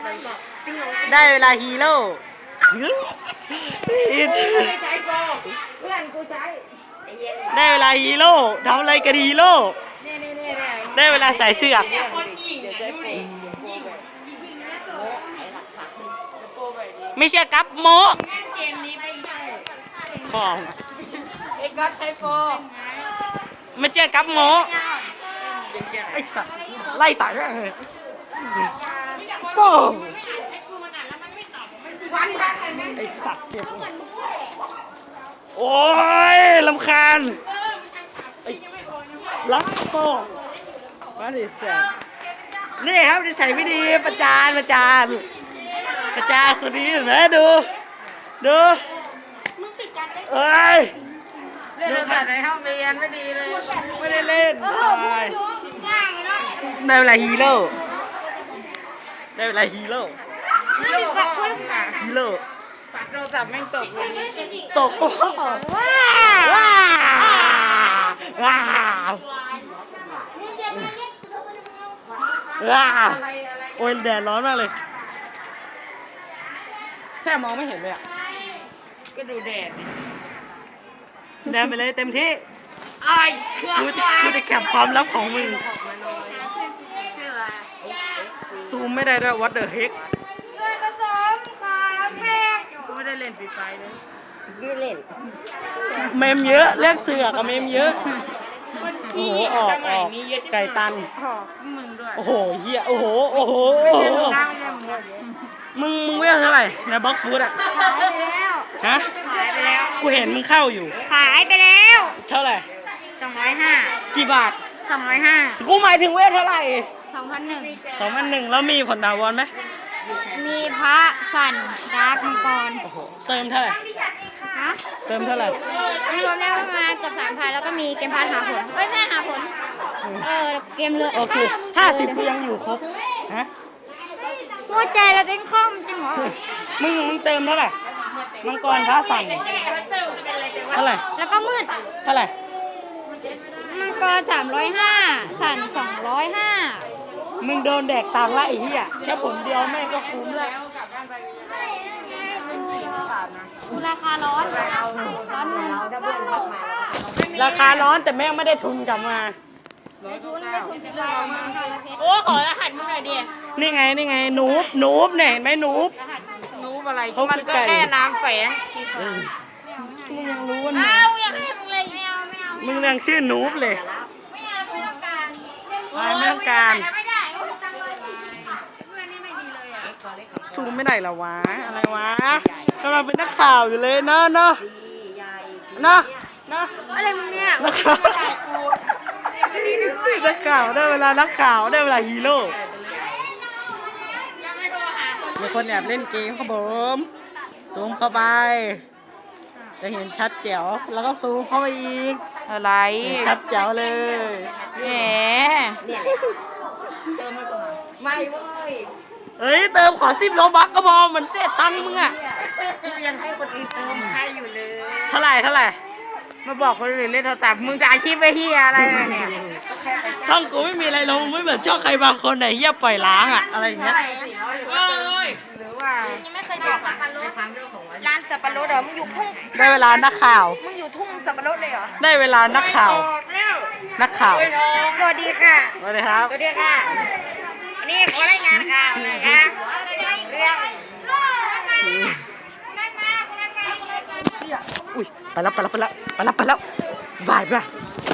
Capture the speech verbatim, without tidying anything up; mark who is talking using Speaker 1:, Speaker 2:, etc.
Speaker 1: ได้เวลาฮีโร่
Speaker 2: ใช้โกเพื่อนกูใช้
Speaker 1: ได้เวลาฮีโร่ทำอะไรกันฮีโร่
Speaker 2: เนี่ยเนี่ยเนี่ย
Speaker 1: ได้เวลาใส่เสื้อไม่ใช่กับโม
Speaker 2: เกมนี้ไป
Speaker 1: ขอ
Speaker 2: เอ็กซ์ใช้โก
Speaker 1: ไม่ใช่กับโมไอ้สัตว์ไล่ต่อยเลยโป้งไอ้สัตว์เจ็บโอ้ยลำคาญไอ้ลักโป้งมาดิแสบนี่ครับนิสัยไม่ดีประจานประจานประจานคนนี้เห็นไหมดูดูเอ้ย
Speaker 2: เล่นโทรศัพท์ในห้องเรียนไม่ดีเลย
Speaker 1: ไม่ได้เล่นได้เวลาฮีโร่ได้เวลาฮีโร่
Speaker 2: ฮีโร่
Speaker 1: ฮีโร่
Speaker 2: ปัดโทรศัพท์แม่งตกเลย
Speaker 1: ตกว้าวว้าวว้าวว้าวโอ้ยแดดร้อนมากเลยแค่มองไม่เห็นเลยอ่ะ
Speaker 2: ก็ดูแดด
Speaker 1: แดดไปเลยเต็มที่
Speaker 2: ไอ้
Speaker 1: กูจะกูจะแคปความลับของมึง
Speaker 2: ชื่ออะไร
Speaker 1: ซูมไม่ได้ด้วย what the heck
Speaker 2: เงินผสมขาแม่กูไม่ได้เล่นฟรีไฟเลย
Speaker 3: ไม่เล่น
Speaker 1: เมมเยอะเลือกเสือกับเมมเยอะโอ้โหออกออกไก่ตัน
Speaker 2: มึงด้วย
Speaker 1: โอ้โหเฮียโอ้โหโอ้โหโอ้โหมึงมึงเวลเท่าไหร่ในบล็อกฟูดอ่ะ
Speaker 2: ขายไปแล้ว
Speaker 1: ฮะ
Speaker 2: ขายไปแล้ว
Speaker 1: กูเห็นมึงเข้าอยู่
Speaker 2: ขายไปแล้ว
Speaker 1: เท่าไหร่
Speaker 2: สองร้อยห้า
Speaker 1: กี่บาท
Speaker 2: สองร้อยห้า
Speaker 1: กูหมายถึงเวลเท่าไหร่
Speaker 2: สองพันหนึ่ง
Speaker 1: สองพันหนึ่งแล้วมีผลดาวน์ไหม
Speaker 2: มีพระสันดาร์กมังกร
Speaker 1: โอ้โหเติมเท่าไหร่
Speaker 2: ฮะ
Speaker 1: เติมเท่าไหร่
Speaker 2: รวมแล้วประมาณเกือบสามพันแล้วก็มีเกมพาร์ทหาผลเอ้ยไม่หาผลเออเกมเรือ
Speaker 1: โอเคห้าสิบกูยังอยู่ครบฮะ
Speaker 2: หัวใจเราเต้นคล่อมจริงเหรอ
Speaker 1: มึงมึงเติมเท่าไหร่มังกรพระสันเท่าไหร่
Speaker 2: แล้วก็มืด
Speaker 1: เท่าไหร่
Speaker 2: มังกรสามร้อยห้าสันสองร้อยห้า
Speaker 1: มึงโดนแดกตังละไอ้เหี้ยแค่ผลเดียวแม่งก็คุ้มแล้ว
Speaker 2: ราคาร้อนร้อน
Speaker 3: เราถ้าเพื่อนทักมา
Speaker 1: ราคาร้อนแต่แม่งไม่ได้ทุนกลับมา
Speaker 2: ได้ทุนได้ทุนไปไปโอ้ขอรหัสมึงหน่อยดิ
Speaker 1: นี่ไงนี่ไงนูบนูบเนี่ยเห็นไหมนูบ
Speaker 2: นูบอะไรมันก็แค่น้ำแฝง
Speaker 1: มึงยังรู้ว่า
Speaker 2: เอาอยากให้มึงเลยไม่เอาไม่เอา
Speaker 1: มึงยังชื่อนูบเลย
Speaker 2: ไม่เอาไม่ต้องการ
Speaker 1: ไม่ต้องการ
Speaker 2: ไม่ได้เพื่อนนี่ไม่ดีเลยอ่ะ
Speaker 1: ซูมไม่ได้หรอวะอะไรวะกำลังเป็นนักข่าวอยู่เลยเนาะเนาะเนาะเนาะ
Speaker 2: อะไรมึงเนี่ย
Speaker 1: นักข่าวนักข่าวได้เวลานักข่าวได้เวลาฮีโร่มีคนแอบเล่นเกมครับผมซูมเข้าไปจะเห็นชัดแจ๋วแล้วก็ซูมเข้าไปอีก
Speaker 2: อะไร
Speaker 1: ชัดแจ๋วเลย
Speaker 2: แหม
Speaker 3: ไม่เว้ย
Speaker 1: เฮ้ยเติมขอสิบโลบักก็พอมันเสียตังค์มึงอ่ะ
Speaker 3: กูยังให้คนอื่นเติมให้อยู่เลย
Speaker 1: เท่าไหร่เท่าไหร่
Speaker 2: มาบอกคนอื่นเล่นโทรศัพท์มึงจะอาชีพไปเฮียอะไรเนี่ย
Speaker 1: ช่องกูไม่มีอะไรลงไม่เหมือนช่องใครบางคนไหนเฮียปล่อยล้างอ่ะอะไรอย่างเงี้ย
Speaker 2: หรือว่ายังไม่เคยบอกสับปะรดร้านสับปะรดเหรอมึงอยู่ทุ่ง
Speaker 1: ได้เวลานักข่าว
Speaker 2: มึงอยู่ทุ่งสับปะรดเลยเหรอ
Speaker 1: ได้เวลานักข่าวนักข่าว
Speaker 2: สวัสดีค่ะ
Speaker 1: สวัสดีครับ
Speaker 2: สวัสดีค่ะวันนี้ขอรายงานข่าวนะคะเรื่อง
Speaker 1: อุ้ยไปแล้วไปแล้วไปแล้วไปแล้วไปแล้วบายบาย